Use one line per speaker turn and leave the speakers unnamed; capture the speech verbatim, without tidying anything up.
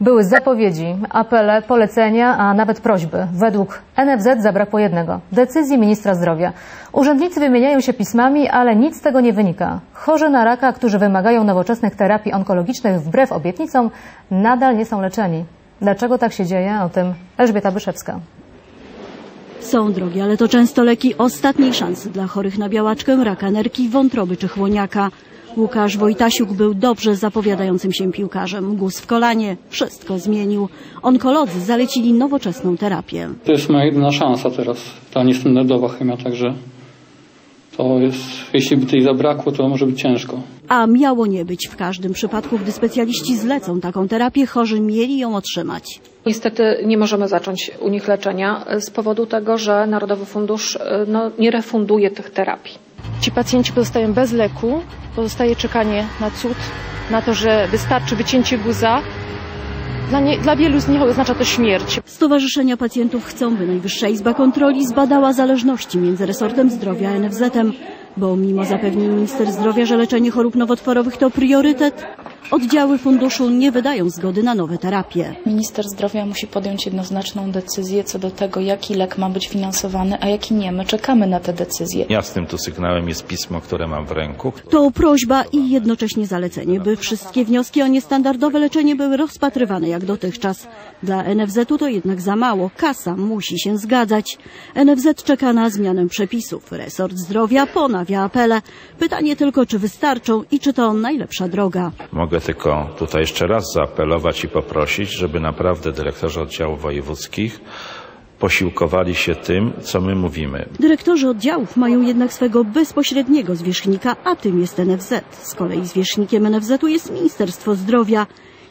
Były zapowiedzi, apele, polecenia, a nawet prośby. Według N F Z zabrakło jednego – decyzji ministra zdrowia. Urzędnicy wymieniają się pismami, ale nic z tego nie wynika. Chorzy na raka, którzy wymagają nowoczesnych terapii onkologicznych wbrew obietnicom, nadal nie są leczeni. Dlaczego tak się dzieje? O tym Elżbieta Byszewska.
Są drogie, ale to często leki ostatniej szansy dla chorych na białaczkę, raka nerki, wątroby czy chłoniaka. Łukasz Wojtasiuk był dobrze zapowiadającym się piłkarzem. Guz w kolanie wszystko zmienił. Onkolodzy zalecili nowoczesną terapię.
To jest moja jedyna szansa teraz, ta niestandardowa chemia, także to jest, jeśli by tej zabrakło, to może być ciężko.
A miało nie być. W każdym przypadku, gdy specjaliści zlecą taką terapię, chorzy mieli ją otrzymać.
Niestety nie możemy zacząć u nich leczenia z powodu tego, że Narodowy Fundusz no, nie refunduje tych terapii.
Ci pacjenci pozostają bez leku, pozostaje czekanie na cud, na to, że wystarczy wycięcie guza. Dla, nie, dla wielu z nich oznacza to śmierć.
Stowarzyszenia pacjentów chcą, by Najwyższa Izba Kontroli zbadała zależności między resortem zdrowia a N F Z-em, bo mimo zapewnień minister zdrowia, że leczenie chorób nowotworowych to priorytet, oddziały funduszu nie wydają zgody na nowe terapie.
Minister zdrowia musi podjąć jednoznaczną decyzję co do tego, jaki lek ma być finansowany, a jaki nie. My czekamy na te decyzje.
Jasnym tu sygnałem jest pismo, które mam w ręku.
To prośba i jednocześnie zalecenie, by wszystkie wnioski o niestandardowe leczenie były rozpatrywane jak dotychczas. Dla N F Z-u to jednak za mało. Kasa musi się zgadzać. N F Z czeka na zmianę przepisów. Resort zdrowia ponawia apele. Pytanie tylko, czy wystarczą i czy to najlepsza droga.
Mogę tylko tutaj jeszcze raz zaapelować i poprosić, żeby naprawdę dyrektorzy oddziałów wojewódzkich posiłkowali się tym, co my mówimy.
Dyrektorzy oddziałów mają jednak swego bezpośredniego zwierzchnika, a tym jest N F Z. Z kolei zwierzchnikiem N F Z-u jest Ministerstwo Zdrowia.